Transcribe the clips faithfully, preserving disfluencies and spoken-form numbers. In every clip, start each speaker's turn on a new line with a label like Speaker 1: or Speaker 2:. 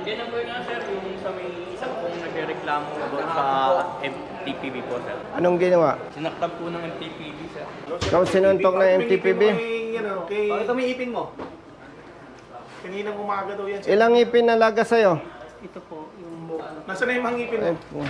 Speaker 1: Yan ang po nga sir, yung sa may isang pong nagreklamo about sa M T P B po sir.
Speaker 2: Anong ginawa?
Speaker 1: Sinaktan po ng M T P B sir.
Speaker 2: Ikaw sinuntok ng M T P B?
Speaker 3: Bakit may ipin mo? Kaninang umaga daw yan.
Speaker 2: Ilang ipin nalaga sa'yo?
Speaker 4: Ito po, yung buka.
Speaker 3: Nasaan na yung mga ipin mo?
Speaker 2: Ay, po.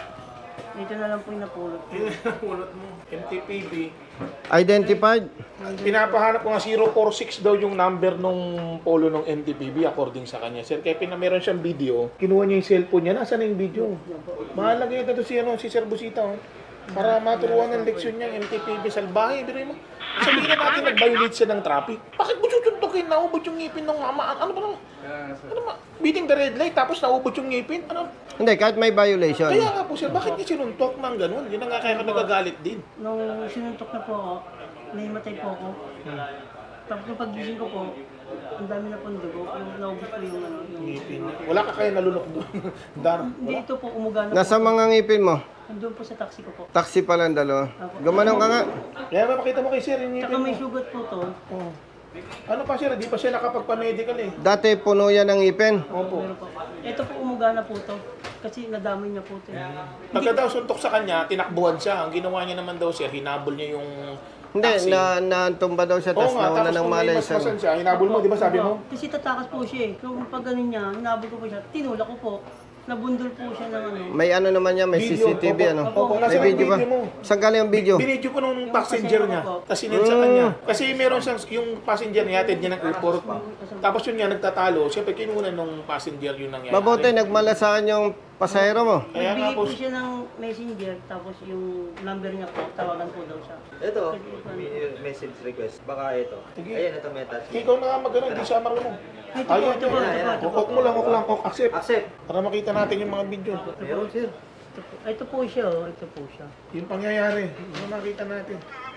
Speaker 4: Ito na lang po yung napulot.
Speaker 3: Yun ang ulot mo. M T P B.
Speaker 2: Identified?
Speaker 3: Pinapahanap ko nga zero four six daw yung number nung polo ng M T P B according sa kanya. Sir, kaya pina meron siyang video. Kinuha niya yung cellphone niya. Nasaan na yung video? Mahalaga yun ito si, ano, si Sir Busita. Oh. Para maturuan ng leksyon niya M T P B salbahe. Pero mo, sabihin na natin nag-violate siya ng traffic. Bakit mo susuntukin? Naubot yung ngipin ng mama. Ano ba naman? Ano ba? Beating the red light tapos naubot yung ngipin? Ano?
Speaker 2: Hindi, kahit may violation.
Speaker 3: Kaya nga po sir, bakit niya sinuntok ng ganun? Yun ang nga kaya ka nagagalit din.
Speaker 4: Nung sinuntok na po ako, naimatay po ako. Tapos nung pagising ko po, ang dami na pong dugo. Yung naubos ko yung ano, yung
Speaker 3: Ngipin. Wala ka kaya nalunok doon. Dar.
Speaker 4: Hindi, ito po, umuga na
Speaker 2: Nasa
Speaker 4: po.
Speaker 2: mga ngipin mo?
Speaker 4: Nandun po sa taxi ko po.
Speaker 2: Taxi pa lang dalawa. Gumanong ka nga.
Speaker 3: Kaya mapakita mo kay sir yung ngipin
Speaker 4: Tsaka
Speaker 3: mo.
Speaker 4: may sugat po to.
Speaker 3: Oh. Ano pa sir, di pa siya nakapagpa-medical eh.
Speaker 2: Dati puno yan ng ngipin.
Speaker 3: Opo.
Speaker 4: Meron po. Ito po, umuga na po to. Kasi nadamay niya po to.
Speaker 3: Pagka daw suntok sa kanya, tinakbuhan siya. Ang ginawa niya naman daw sir, hinabol niya yung
Speaker 2: Hindi,
Speaker 3: taxi.
Speaker 2: na natumba daw siya,
Speaker 3: Oo
Speaker 2: tapos
Speaker 3: nga,
Speaker 2: nawala
Speaker 3: tapos
Speaker 2: ng
Speaker 3: kung may
Speaker 2: malay
Speaker 3: masmasan
Speaker 2: sa...
Speaker 3: siya, hinabol mo, di ba sabi mo?
Speaker 4: Kasi tatakas po siya eh. Nung pag ganun niya, hinabol ko po siya, tinulak ko po. Nabundol po siya ng ano.
Speaker 2: May ano naman yan, may
Speaker 3: Video,
Speaker 2: C C T V
Speaker 3: opo.
Speaker 2: ano.
Speaker 3: Opo,
Speaker 2: May
Speaker 3: nasa
Speaker 2: video ba?
Speaker 3: video mo.
Speaker 2: Saan galing ang video?
Speaker 3: Binidyo ko nung
Speaker 4: Yung
Speaker 3: passenger
Speaker 4: pasahero
Speaker 3: niya.
Speaker 4: ko po.
Speaker 3: Tapos sinend sa
Speaker 2: Mm.
Speaker 3: kanya. Kasi meron siyang, yung passenger niya, atid niya ng airport. Tapos yun nga, nagtatalo. Siyempre, kinuha nung passenger yun nangyari.
Speaker 2: Mabuti, nagmalasakan yung pasahero mo.
Speaker 3: Kaya nga
Speaker 4: Nagbigay
Speaker 3: po,
Speaker 4: po siya ng messenger, tapos yung number niya po, tawagan po daw siya.
Speaker 5: Ito, may message request. Baka ito.
Speaker 3: Sige.
Speaker 5: Ayan, ito may attachment.
Speaker 3: ikaw na nga mag-ano, hindi siya marunong.
Speaker 4: Ay, ito po,
Speaker 3: Ayun,
Speaker 4: ito po, ito po, ito po.
Speaker 3: Hukok mo lang, hukok lang, hukok, accept.
Speaker 5: Accept.
Speaker 3: Para makita natin yung mga video.
Speaker 5: Meron, sir.
Speaker 4: Ito po, ito po siya, oh. Ito po siya.
Speaker 3: Yung pangyayari, yung makita natin.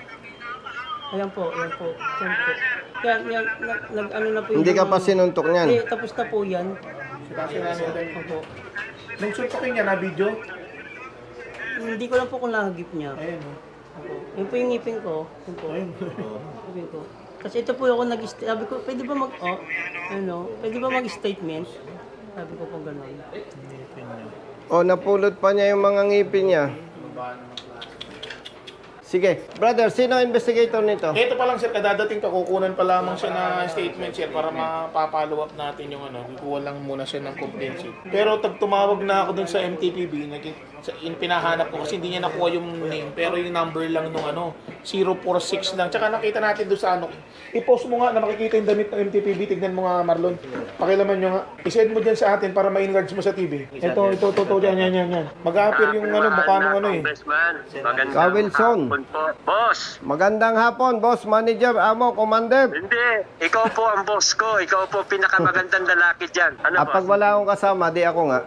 Speaker 4: Ayan po, ayan po. Ayan po. Yan, yan, nag, nag, ano na po yung...
Speaker 2: Hindi ka pa
Speaker 4: ano.
Speaker 2: sinuntok niyan.
Speaker 4: Hindi, tapos na po yan.
Speaker 3: Kasi natin.
Speaker 4: Opo.
Speaker 3: Nung suntokin niya na video,
Speaker 4: Hindi ko lang po kung nahagip niya.
Speaker 3: ayun o.
Speaker 4: Opo. Yun po yung ngipin ko. Yun po.
Speaker 3: Ayun.
Speaker 4: Ngipin ko. Kasi ito po ako nag sabi ko, pwede ba mag, oh, ano, pwede ba mag-statement? Sabi ko po gano'n.
Speaker 2: O, napulot pa niya yung mga ngipin niya. Sige. Brother, sino ang investigator nito?
Speaker 3: Ito pa lang sir, kadadating ka, kukunan pa lamang siya na statement sir para mapapollow up natin yung ano. Kukuha lang muna siya ng complaint sir. Pero tag tumawag na ako dun sa M T P B, naging, sa, in, pinahanap ko kasi hindi niya nakuha yung name, pero yung number lang nung ano, zero four six lang. Tsaka nakita natin doon sa ano, i-post mo nga na makikita yung damit ng M T P B, tignan mo nga Marlon. Pakilaman nyo nga. I-send mo dyan sa atin para ma-enlarge mo sa T V. Ito, ito, ito, ito, yan, yan, yan, yan. Mag-appear yung ano, mukha nung ano eh.
Speaker 6: Congressman, magandang
Speaker 2: Ka Wilson.
Speaker 6: hapon po. Boss,
Speaker 2: Magandang hapon, boss, manager, amo, commander.
Speaker 6: hindi. Ikaw po ang boss ko. Ikaw po pinakamagandang lalaki dyan. Ano
Speaker 2: Ah, pag
Speaker 6: boss?
Speaker 2: wala akong kasama, di ako nga.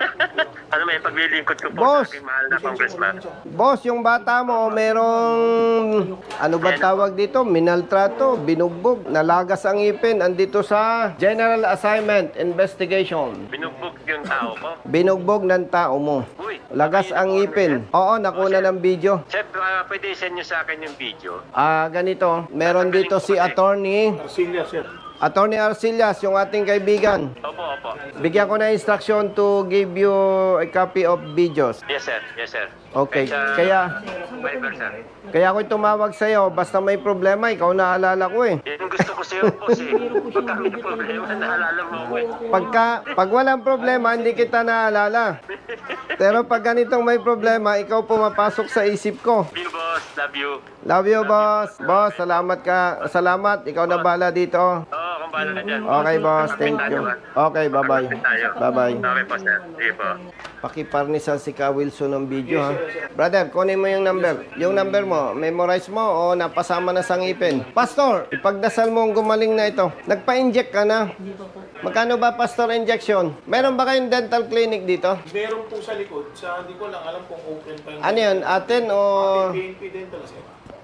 Speaker 6: Ano may paglilingkod ko po
Speaker 2: Boss!
Speaker 6: sa aking mahal na congressman?
Speaker 2: Boss, yung bata mo, merong, ano ba tawag dito? Minaltrato, binugbog, nalagas ang ipin, andito sa General Assignment Investigation.
Speaker 6: Binugbog yung tao ko.
Speaker 2: Binugbog ng tao mo.
Speaker 6: Uy,
Speaker 2: Lagas ang ipin. Oo, nakuna ng video.
Speaker 6: Chef, uh, pwede send nyo sa akin yung video.
Speaker 2: Ah, ganito. Meron dito si attorney,
Speaker 3: Arcilia sir.
Speaker 2: attorney Arcillas, yung ating kaibigan.
Speaker 6: Opo, opo.
Speaker 2: Bigyan ko na instruction to give you a copy of videos.
Speaker 6: Yes, sir. Yes, sir.
Speaker 2: Okay.
Speaker 6: Sa-
Speaker 2: Kaya,
Speaker 6: Viber, sir.
Speaker 2: kaya ako tumawag sa'yo. Basta may problema, ikaw naalala ko eh.
Speaker 6: Yan ang gusto ko sa'yo, boss eh. Pagka may problema, naalala mo ko eh.
Speaker 2: Pagka, pag walang problema, hindi kita naalala. Pero pag ganitong may problema, ikaw pumapasok sa isip ko.
Speaker 6: Love you, boss. Love you.
Speaker 2: Love you, boss. Boss, salamat ka. Salamat. Ikaw na bala dito.
Speaker 6: Oo, kung bahala ka dyan.
Speaker 2: Okay, boss. Thank you. Okay, bye-bye. Bye-bye.
Speaker 6: Okay po, sir. Sige po.
Speaker 2: Pakiparnisan si Ka Wilson ng video, ha? Brother, kunin mo yung number. Yung number mo, memorize mo o napasama na sa ngipin. Pastor, ipagdasal mo ang gumaling na ito. Nagpa-inject ka na.
Speaker 4: Hindi pa po.
Speaker 2: Magkano ba, Pastor, injection? Meron ba kayong dental clinic dito?
Speaker 3: Meron po sa likod, sa hindi ko lang alam kung open pa yung
Speaker 2: Ano yun, atin o...
Speaker 3: P N P Dental sir.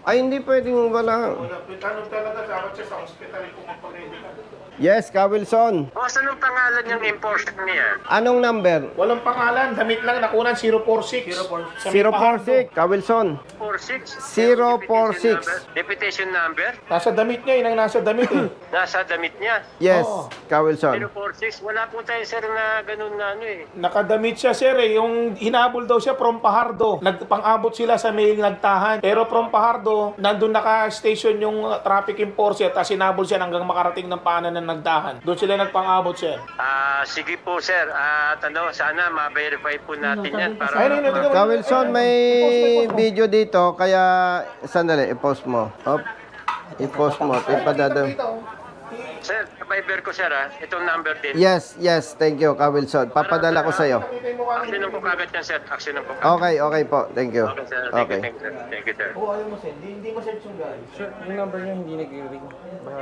Speaker 2: Ay, hindi pwedeng wala.
Speaker 3: Wala, ano talaga, dapat siya sa hospital kung magpag-medical.
Speaker 2: Yes, Ka Wilson.
Speaker 6: Boss, anong pangalan yung enforcer niya?
Speaker 2: Anong number?
Speaker 3: Walang pangalan, damit lang nakunan, zero four six. Sa may
Speaker 2: zero four six,
Speaker 3: Pahardo.
Speaker 2: Ka Wilson.
Speaker 6: four six?
Speaker 2: zero four six.
Speaker 6: Deputation number?
Speaker 3: Nasa damit niya, yun ang nasa damit eh.
Speaker 6: Nasa damit niya.
Speaker 2: Yes,
Speaker 3: Oo.
Speaker 2: Ka Wilson.
Speaker 6: zero four six? Wala po tayo sir na ganun na ano eh.
Speaker 3: Nakadamit siya sir eh, yung hinabol daw siya from Pahardo. Nagpang-abot sila sa may nagtahan. Pero from Pahardo, nandun naka-station yung uh, traffic enforcer, tapos hinabol siya hanggang makarating ng paanan ng nagdahan. Doon sila nagpang-abot sir.
Speaker 6: Ah, sige po sir. At ano, sana ma-verify po natin yan para
Speaker 3: Ayun, ayun, ayun.
Speaker 2: Ka Wilson, may video dito, kaya sandali, i-post mo. Op. I-post mo, ipadada.
Speaker 6: Sir, Viber ko sir ah. Itong number din.
Speaker 2: Yes, yes, thank you, Ka Wilson. Papadala ko sa'yo.
Speaker 6: Aksyonan po kagad yan sir. Aksyonan po kagad.
Speaker 2: Okay, okay po, thank you.
Speaker 6: Okay sir. Thank
Speaker 2: Okay.
Speaker 6: you, thank you sir. Thank you sir.
Speaker 5: Oo, ayaw mo send. Hindi, hindi mo send yung guys.
Speaker 1: Sir, yung number niya hindi nag-ring. Baka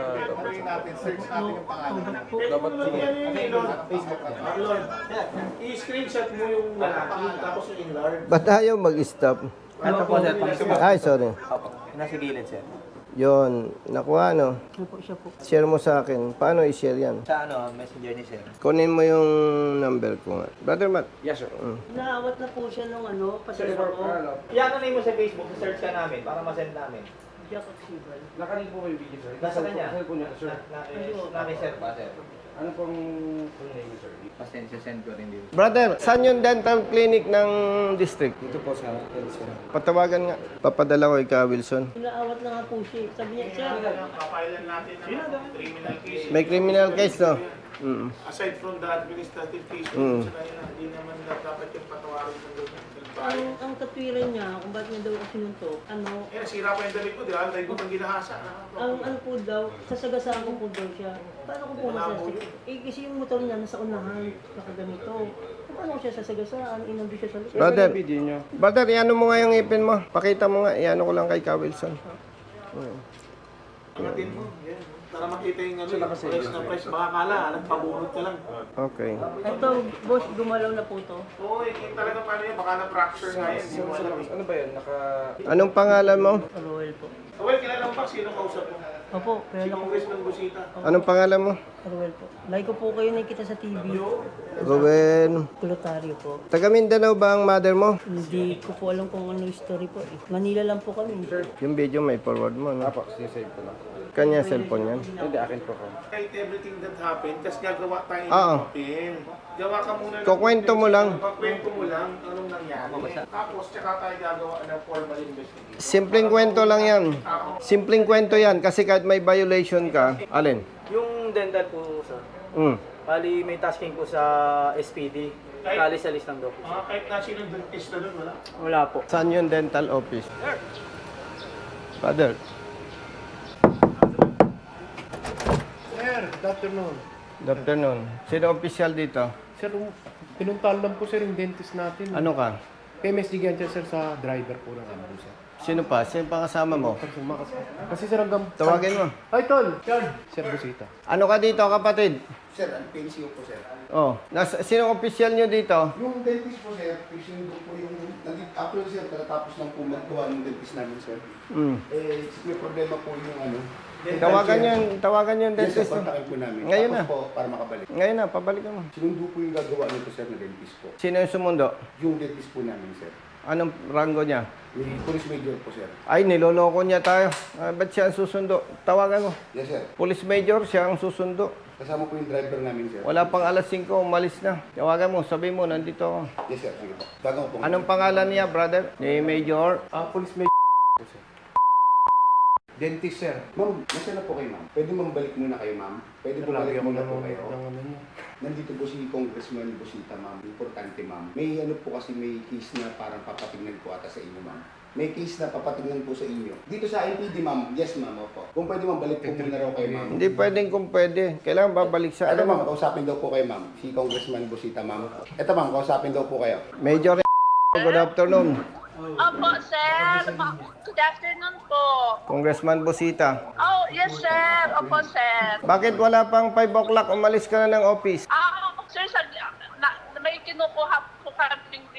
Speaker 3: Dapat Facebook Lord, i-screenshot mo yung lalaki, tapos yung enlarge.
Speaker 2: Ba't ayaw mag-stop?
Speaker 5: Ito po, sir.
Speaker 2: Ay, sorry.
Speaker 5: Opo. Nasa gilid, sir.
Speaker 2: Yon, nakuha, no?
Speaker 4: Ano po siya po?
Speaker 2: Share mo sa akin. Paano i-share yan?
Speaker 5: Sa ano, messenger ni sir.
Speaker 2: Kunin mo yung number ko nga. Brother Matt.
Speaker 1: Yes, sir.
Speaker 4: Naawat na po siya nung ano, pasadala ko.
Speaker 5: Iyan mo sa Facebook, search ka namin para ma-send namin.
Speaker 4: Jack Oxibal.
Speaker 1: Nakaring po kayo video, sir.
Speaker 5: Nasa kanya?
Speaker 1: Sa po niya, sir.
Speaker 5: Namin sir pa, sir.
Speaker 1: Ano pong full name, sir?
Speaker 5: Pasensya, send ko rin dito.
Speaker 2: Brother, saan yung dental clinic ng district?
Speaker 1: Ito po sa sir.
Speaker 2: Patawagan nga. Papadala ko ika Wilson.
Speaker 4: Naawat na nga po siya. Sabi niya, sir,
Speaker 3: Papailan natin ng criminal case.
Speaker 2: May criminal case, no? Mm.
Speaker 3: Aside from the administrative case,
Speaker 2: Mm.
Speaker 3: sa kanila, hindi naman na dapat yung patawarin ng government.
Speaker 4: ang, ang katwiran niya, kung bakit niya daw ako sinuntok, ano,
Speaker 3: Eh, nasira pa yung damit ko, di ba? Dahil ko pang ginahasa.
Speaker 4: ang ano po daw, sasagasaan ko po daw siya. Paano ko po masasagasaan? Eh, kasi yung motor niya nasa unahan, nakaganito. Paano ko siya sasagasaan? Inando siya sa likod.
Speaker 2: Brother,
Speaker 1: Video niyo.
Speaker 2: brother, iano mo nga yung ipin mo. Pakita mo nga, iano ko lang kay Ka Wilson.
Speaker 3: Angatin mo, yan. Para makita yung ano, yung price na price. Baka kala, nagpabunot ka lang.
Speaker 2: Okay.
Speaker 4: Ito, boss, gumalaw na po to.
Speaker 3: Oo, eh, yung talaga paano yun, baka na-fracture nga yan. Hindi mo alam. eh.
Speaker 1: Ano ba yan? Naka...
Speaker 2: Anong pangalan mo?
Speaker 4: Roel po.
Speaker 3: Well, kilala mo pa, sino kausap mo?
Speaker 4: Opo,
Speaker 3: Si
Speaker 4: kaya ako.
Speaker 3: Congressman Busita.
Speaker 2: Anong pangalan mo?
Speaker 4: Roel po. Like ko po kayo nakikita sa T V.
Speaker 2: Ruben.
Speaker 4: Kulotaryo po.
Speaker 2: Taga Mindanao ba ang mother mo?
Speaker 4: Hindi ko po alam kung ano yung story po eh. Manila lang po kami.
Speaker 2: Yung video may forward mo, no?
Speaker 1: Apo, sisave ko lang.
Speaker 2: Kanya cellphone yan.
Speaker 1: Hindi, akin po ko.
Speaker 3: Kahit everything that happened, kasi gagawa tayo ng
Speaker 2: Oo.
Speaker 3: papel. Gawa ka muna ng...
Speaker 2: Kukwento mo lang.
Speaker 3: Kukwento mo lang anong nangyari. Tapos, tsaka tayo gagawa ng formal investigation.
Speaker 2: Simpleng kwento lang yan. Simpleng kwento yan kasi kahit may violation ka, alin?
Speaker 5: Yung dental po, sir.
Speaker 2: Mm.
Speaker 5: Bali, may tasking po sa S P D. Kali sa list ng dopo.
Speaker 3: Ah, kahit na sinong dentista doon, wala.
Speaker 5: Wala po.
Speaker 2: Saan yung dental office? Father.
Speaker 7: Sir, good afternoon.
Speaker 2: Good afternoon. Sino official dito?
Speaker 7: Sir, um, pinuntahan lang po sir yung dentist natin.
Speaker 2: Ano ka?
Speaker 7: P M S D ganyan sir sa driver po ng ano sir.
Speaker 2: Sino pa? Sino pa kasama mo?
Speaker 7: Kasi, kasi, kasi sir hanggang...
Speaker 2: Tawagin mo.
Speaker 7: Ay, tol! Sir Busita.
Speaker 2: Ano ka dito, kapatid?
Speaker 8: Sir, ang P C O po, sir.
Speaker 2: Oh, nasa, sino official nyo dito?
Speaker 8: Yung dentist po, sir, fixing ko po yung... nandito- Actually, sir, katatapos lang po magkuha ng dentist namin, sir.
Speaker 2: Mm.
Speaker 8: Eh, may problema po yung ano... dental
Speaker 2: Tawagan
Speaker 8: chair.
Speaker 2: yun, tawagan yung
Speaker 8: Yes, sir,
Speaker 2: dentist.
Speaker 8: kontakin po namin.
Speaker 2: Ngayon
Speaker 8: Tapos
Speaker 2: na.
Speaker 8: po, para makabalik.
Speaker 2: Ngayon na, pabalik mo.
Speaker 8: Sinundo po yung gagawa nito, sir, na dentist po.
Speaker 2: Sino yung sumundo?
Speaker 8: Yung dentist po namin, sir.
Speaker 2: Anong rango niya?
Speaker 8: May police major po, sir.
Speaker 2: Ay, niloloko niya tayo. Ah, ba't siya ang susundo? Tawagan mo.
Speaker 8: Yes, sir.
Speaker 2: Police Major, siya ang susundo.
Speaker 8: Kasama po yung driver namin, sir.
Speaker 2: Wala pang alas singko, umalis na. Tawagan mo, sabi mo, nandito ako.
Speaker 8: Yes, sir. Sige po. Gagawin po.
Speaker 2: Anong pangalan niya, brother? Ni Major?
Speaker 7: Ah, police may... sir. Dentist sir.
Speaker 8: Ma'am, nasa na po kayo, ma'am? Pwede mambalik muna kayo, ma'am? Pwede po
Speaker 7: Lagi
Speaker 8: balik
Speaker 7: ako
Speaker 8: muna po
Speaker 7: nanonood
Speaker 8: kayo?
Speaker 7: ng ano niya.
Speaker 8: Nandito po si Congressman Busita, ma'am. Importante, ma'am. May ano po kasi may case na parang papatignan po ata sa inyo, ma'am. May case na papatignan po sa inyo. Dito sa N P D, ma'am. Yes, ma'am. Opo. Kung pwede, ma'am, balik po muna raw kayo, ma'am.
Speaker 2: Hindi pwedeng kung pwede. Kailangan babalik sa
Speaker 8: Ito,
Speaker 2: ano.
Speaker 8: ma'am. Kausapin daw po kayo, ma'am. Si Congressman Busita, ma'am. Ito, ma'am. Kausapin daw po kayo.
Speaker 2: Major, good afternoon.
Speaker 9: Opo, sir. Ma- Good afternoon po.
Speaker 2: Congressman Busita.
Speaker 9: Oh, yes, sir. Opo, sir.
Speaker 2: Bakit wala pang five o'clock? Umalis ka na ng office.
Speaker 9: Ah, sir, sa, na, may kinukuha po kaming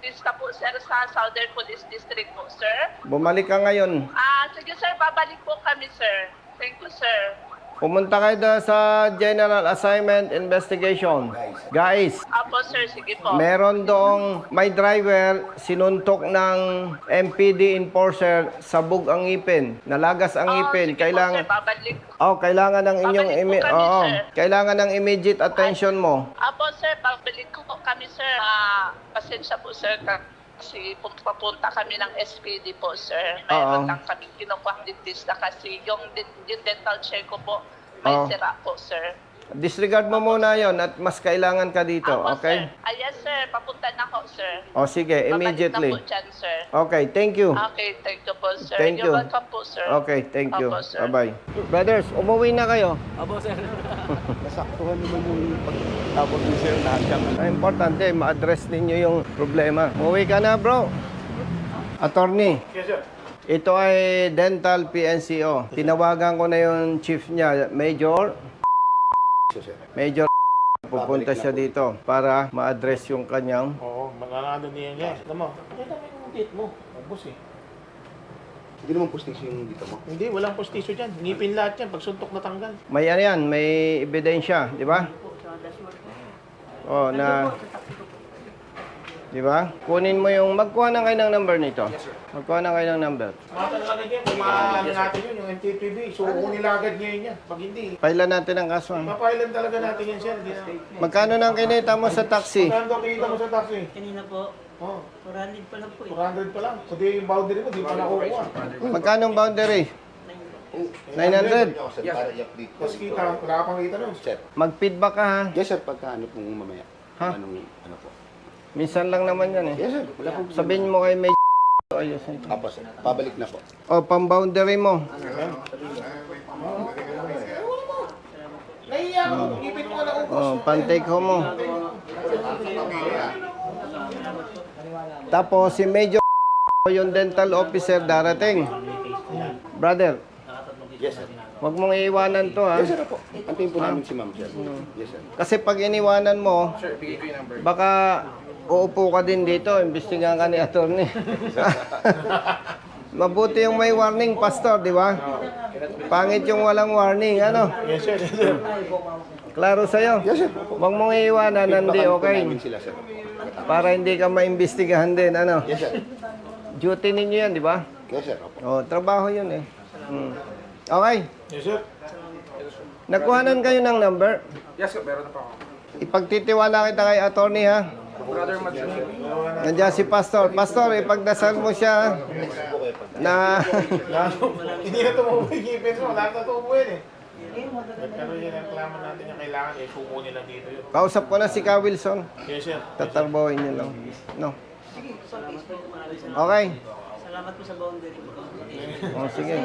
Speaker 9: dentista po, sir, sa Southern Police District po, sir.
Speaker 2: Bumalik ka ngayon.
Speaker 9: Ah, sige, sir, babalik po kami, sir. Thank you, sir.
Speaker 2: Pumunta kayo doon sa General Assignment Investigation. Guys,
Speaker 9: Apo, sir, sige po.
Speaker 2: meron doong may driver sinuntok ng M P D enforcer, sabog ang ngipin, nalagas ang
Speaker 9: Oh,
Speaker 2: ngipin.
Speaker 9: sige
Speaker 2: Kailangan
Speaker 9: po, sir, babalik.
Speaker 2: Oh, kailangan ng inyong
Speaker 9: Babalik po
Speaker 2: imi-
Speaker 9: kami,
Speaker 2: Oo,
Speaker 9: sir.
Speaker 2: kailangan ng immediate attention mo.
Speaker 9: Apo, sir, babalik ko po kami, sir. Ah, pasensya po, sir, kasi pum- papunta kami ng S P D po, sir. Mayroon
Speaker 2: Oo.
Speaker 9: lang kami kinukuha dentista kasi yung, den- yung dental chair ko po, may
Speaker 2: Oo.
Speaker 9: sira po, sir.
Speaker 2: Disregard mo muna yon at mas kailangan ka dito,
Speaker 9: Apo,
Speaker 2: okay?
Speaker 9: sir. Ah, yes, sir. Papunta na ako, sir.
Speaker 2: O sige, immediately.
Speaker 9: Babalik na po dyan, sir.
Speaker 2: Okay, thank you.
Speaker 9: Okay, thank you po, sir.
Speaker 2: Thank
Speaker 9: You're
Speaker 2: you.
Speaker 9: welcome po, sir.
Speaker 2: Okay, thank you.
Speaker 9: Apo, sir.
Speaker 2: Bye-bye. Brothers, umuwi na kayo.
Speaker 5: Opo, sir.
Speaker 7: Nasaktuhan naman yung pagtawag ni sir na siyang
Speaker 2: Ang importante, ma-address ninyo yung problema. Umuwi ka na, bro. Attorney,
Speaker 3: Yes, sir.
Speaker 2: ito ay Dental P N C O. Tinawagan ko na yung chief niya, Major.
Speaker 8: sir.
Speaker 2: Major, pupunta siya dito para ma-address yung kanyang.
Speaker 3: Oo, mananalo niya niya. Alam mo, pakita mo yung date mo. Boss eh.
Speaker 8: Hindi naman postis yung dito mo.
Speaker 3: Hindi, walang postisyo dyan. Ngipin lahat yan. Pag suntok na tanggal.
Speaker 2: May ano yan, may ebidensya, di ba? Oh, na... Di ba? Kunin mo yung... Magkuha na kayo ng number nito. Magkuha na kayo ng number.
Speaker 3: Mata na agad yan. Kung maano natin yun, yung M T P B. So, nila agad ngayon yan. Pag hindi,
Speaker 2: Pailan natin ang kaso. ah.
Speaker 3: mapailan talaga natin yan, sir. Hindi na.
Speaker 2: Magkano nang kinita mo sa taxi?
Speaker 3: Magkano daw kita mo sa taxi?
Speaker 4: Kanina po,
Speaker 3: Oh,
Speaker 4: four hundred pa lang po eh.
Speaker 3: four hundred pa lang. Kundi yung boundary mo, di pa nakukuha.
Speaker 2: Magkano ang boundary? nine hundred.
Speaker 8: Ako, sir, para i-update ko.
Speaker 3: Tapos kita, wala ka pang kita nun.
Speaker 8: Sir.
Speaker 2: Mag-feedback ka ha.
Speaker 8: Yes, sir. Pagka ano pong mamaya.
Speaker 2: Ha?
Speaker 8: Anong, ano po.
Speaker 2: Minsan lang naman yan eh.
Speaker 8: Yes, sir. Wala pong
Speaker 2: Sabihin mo kay may ayos.
Speaker 8: Apo, sir. Pabalik na po.
Speaker 2: O, pang-boundary mo.
Speaker 3: Nahiya ka, ngipin mo na ubos.
Speaker 2: O, pan-take home mo. Tapos si Major yung dental officer darating. Brother,
Speaker 8: Yes, sir.
Speaker 2: huwag mong iiwanan to ha.
Speaker 8: Yes, sir. Apo. Antayin po namin si ma'am, sir. Yes, sir.
Speaker 2: Kasi pag iniwanan mo, baka uupo ka din dito, imbestigahan ka ni attorney. Mabuti yung may warning, pastor, di ba? Pangit yung walang warning, ano?
Speaker 3: Yes, sir. Yes, sir.
Speaker 2: Klaro sa'yo?
Speaker 8: Yes, sir.
Speaker 2: Huwag mong iiwanan, hindi
Speaker 8: Feedbackan po
Speaker 2: okay.
Speaker 8: namin sila, sir.
Speaker 2: Para hindi ka maimbestigahan din, ano?
Speaker 8: Yes, sir.
Speaker 2: Duty ninyo yan, di ba?
Speaker 8: Yes, sir. Apo.
Speaker 2: Oh, trabaho yun eh. Hmm. Okay.
Speaker 3: Yes, sir.
Speaker 2: Nakuhanan kayo ng number.
Speaker 7: Yes, sir. Meron na pa ako.
Speaker 2: Ipagtitiwala kita kay attorney ha.
Speaker 7: Brother Mads.
Speaker 2: Nandiyan si pastor. Pastor, ipagdasal mo siya na
Speaker 3: Lalo, hindi na tumubo yung ngipin mo. Wala na tumubo yun eh. Pero yun ang reklamo natin yung kailangan eh. Suko nila dito yun.
Speaker 2: kausap ko na si Ka Wilson.
Speaker 3: Yes, sir.
Speaker 2: Tatarbohin niyo lang. No. Okay.
Speaker 4: Salamat po sa boundary.
Speaker 2: Oh, sige.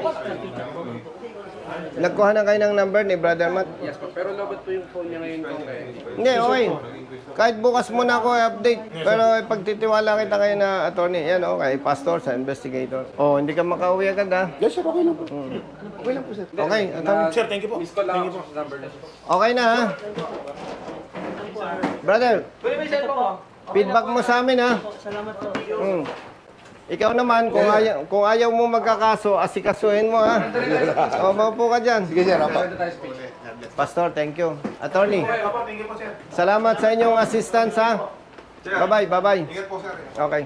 Speaker 2: Nagkuha na kayo ng number ni Brother Matt?
Speaker 7: Yes po. Pero lobot po yung phone niya ngayon kung kaya.
Speaker 2: Hindi, okay. Kahit bukas muna ako i-update. Pero pagtitiwala kita kayo na attorney, yan okay, pastor sa investigator. Oh, hindi ka makauwi agad ha.
Speaker 8: Yes, sir. Okay lang po. Okay lang po, sir.
Speaker 2: Okay, attorney.
Speaker 3: Sir, thank you po.
Speaker 7: Miss call
Speaker 3: Thank
Speaker 7: lang
Speaker 3: you
Speaker 7: ako
Speaker 3: po.
Speaker 7: sa number niya.
Speaker 2: Okay na ha. Brother,
Speaker 5: Pwede may cellphone ko?
Speaker 2: feedback mo sa amin ha.
Speaker 4: Salamat po.
Speaker 2: Hmm. Ikaw naman, kung ayaw, kung ayaw mo magkakaso, asikasuhin mo ha. O, maupo ka dyan.
Speaker 8: Sige, sir. Apo.
Speaker 2: Pastor, thank you. Attorney,
Speaker 3: Apo, thank you po, sir.
Speaker 2: salamat sa inyong assistance ha. Bye-bye, bye-bye. Okay.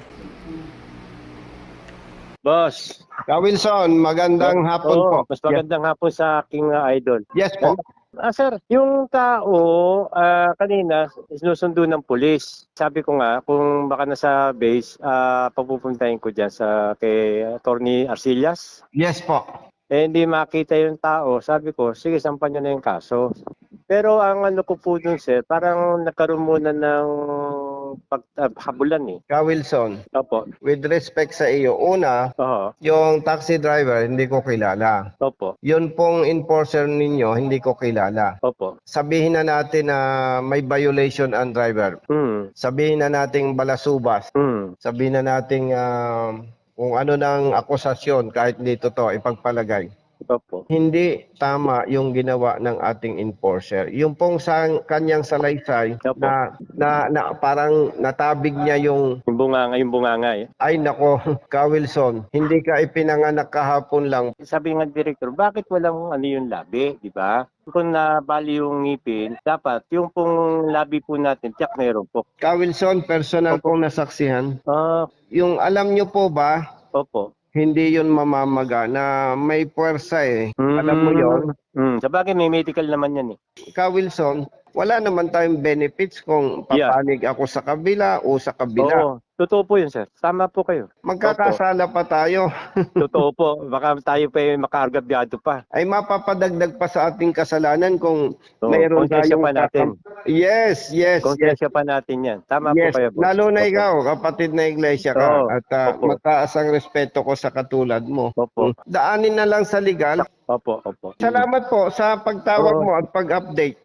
Speaker 10: Boss,
Speaker 2: Ka Wilson, magandang hapon po.
Speaker 10: oo, mas magandang hapon sa aking uh, idol.
Speaker 2: Yes po.
Speaker 10: Ah, sir, yung tao ah, kanina sinusundo ng pulis. Sabi ko nga, kung baka nasa base, ah, papupuntahin ko dyan sa kay Attorney Arcillas.
Speaker 2: Yes po.
Speaker 10: Eh, hindi makita yung tao. Sabi ko, sige, sampan nyo na yung kaso. Pero ang ano ko po dun, sir, parang nagkaroon muna ng paghabulan eh.
Speaker 2: Ka Wilson,
Speaker 10: Opo.
Speaker 2: with respect sa iyo, una,
Speaker 10: Oo.
Speaker 2: yung taxi driver, hindi ko kilala.
Speaker 10: Opo.
Speaker 2: Yun pong enforcer ninyo, hindi ko kilala.
Speaker 10: Opo.
Speaker 2: Sabihin na natin na may violation ang driver.
Speaker 10: Hmm.
Speaker 2: Sabihin na nating balasubas.
Speaker 10: Hmm.
Speaker 2: Sabihin na nating ah, kung ano ng akusasyon, kahit hindi totoo, ipagpalagay.
Speaker 10: Opo.
Speaker 2: hindi tama yung ginawa ng ating enforcer. Yung pong sa kanyang salaysay
Speaker 10: Opo.
Speaker 2: na, na, na parang natabig niya yung
Speaker 10: Yung bunganga, yung bunganga eh.
Speaker 2: ay nako, Ka Wilson, hindi ka ipinanganak kahapon lang.
Speaker 10: Sabi nga director, bakit walang ano yung labi, di ba? Kung nabali yung ngipin, dapat yung pong labi po natin, tiyak meron po.
Speaker 2: Ka Wilson, personal kong nasaksihan.
Speaker 10: Ah,
Speaker 2: Yung alam nyo po ba,
Speaker 10: opo.
Speaker 2: hindi yun mamamaga na may puwersa eh. Alam mo yon.
Speaker 10: Mm, sa bagay, may medical naman yan eh.
Speaker 2: Ka Wilson, wala naman tayong benefits kung
Speaker 10: Yeah.
Speaker 2: papanig ako sa kabila o sa kabila.
Speaker 10: Oo, totoo po yun, sir. Tama po kayo.
Speaker 2: Magkakasala pa tayo.
Speaker 10: Totoo po. Baka tayo pa yung makaargabyado pa.
Speaker 2: Ay mapapadagdag pa sa ating kasalanan kung
Speaker 10: Oo,
Speaker 2: mayroon
Speaker 10: konsensya
Speaker 2: tayong
Speaker 10: pa natin.
Speaker 2: kakam- Yes, yes, yes.
Speaker 10: Konsensya pa natin yan. Tama
Speaker 2: Yes,
Speaker 10: po kayo, boss.
Speaker 2: lalo na
Speaker 10: Opo.
Speaker 2: ikaw, kapatid na iglesia ka,
Speaker 10: Oo,
Speaker 2: at ah,
Speaker 10: opo.
Speaker 2: mataas ang respeto ko sa katulad mo.
Speaker 10: Opo.
Speaker 2: Daanin na lang sa legal.
Speaker 10: Opo, opo.
Speaker 2: Salamat po sa pagtawag
Speaker 10: Oo.
Speaker 2: mo at pag-update.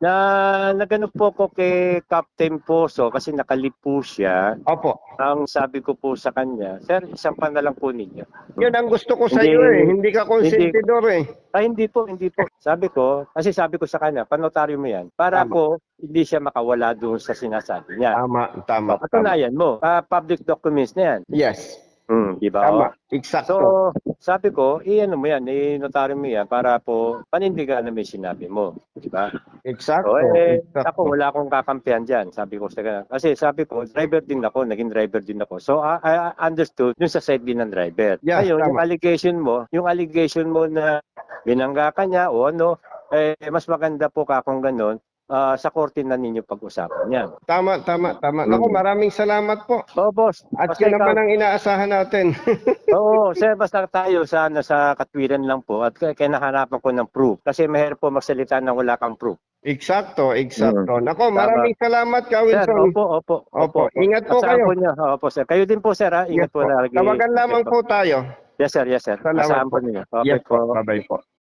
Speaker 10: Na nagano po ko kay Captain Poso kasi nakalip po siya.
Speaker 2: Opo.
Speaker 10: Ang sabi ko po sa kanya, sir, isang pa na lang po ninyo.
Speaker 2: Yun ang gusto ko sa
Speaker 10: Hindi-
Speaker 2: iyo eh. Hindi ka konsentidor eh.
Speaker 10: Ay, hindi po, hindi po. Sabi ko, kasi sabi ko sa kanya, panotaryo mo yan. Para
Speaker 2: Tama.
Speaker 10: po, hindi siya makawala doon sa sinasabi niya.
Speaker 2: Tama, tama, tama.
Speaker 10: Patunayan mo, ah, public documents na yan.
Speaker 2: Yes.
Speaker 10: Hmm, di ba?
Speaker 2: Tama.
Speaker 10: Oh?
Speaker 2: Eksakto.
Speaker 10: So, sabi ko, i-ano mo yan, i-notaryo mo yan para po panindigan na may sinabi mo. Di ba?
Speaker 2: Eksakto.
Speaker 10: So, eh,
Speaker 2: Eksakto.
Speaker 10: ako, wala akong kakampihan dyan. Sabi ko sa kanya. Kasi sabi ko, driver din ako, naging driver din ako. So, I, I understood yung sa side din ng driver.
Speaker 2: Yes,
Speaker 10: Ngayon,
Speaker 2: tama.
Speaker 10: yung allegation mo, yung allegation mo na binangga ka niya o ano, eh, mas maganda po ka kung ganun, ah, sa korte na ninyo pag-usapan yan.
Speaker 2: Tama, tama, tama. Naku,
Speaker 10: Mm.
Speaker 2: maraming salamat po.
Speaker 10: Oo, boss.
Speaker 2: At
Speaker 10: Basta
Speaker 2: yun
Speaker 10: ikaw-
Speaker 2: naman ang inaasahan natin.
Speaker 10: Oo, sir, basta tayo sa, ano, sa katwiran lang po at kaya kinahanapan ko ng proof. Kasi mahirap po magsalita na wala kang proof.
Speaker 2: Eksakto, eksakto. Nako,
Speaker 10: Tama.
Speaker 2: maraming salamat, Ka
Speaker 10: Sir,
Speaker 2: Wilson.
Speaker 10: opo, opo.
Speaker 2: Opo, ingat po
Speaker 10: Asahan
Speaker 2: kayo.
Speaker 10: po niyo. Opo, sir. Kayo din po, sir, ha?
Speaker 2: Yes
Speaker 10: Ingat po
Speaker 2: po.
Speaker 10: lagi.
Speaker 2: Tawagan lamang po tayo.
Speaker 10: Yes, sir, yes, sir.
Speaker 2: Salamat
Speaker 10: Asahan
Speaker 2: po.
Speaker 10: po niyo. Okay
Speaker 2: Yes po.
Speaker 10: po.
Speaker 2: Bye-bye po.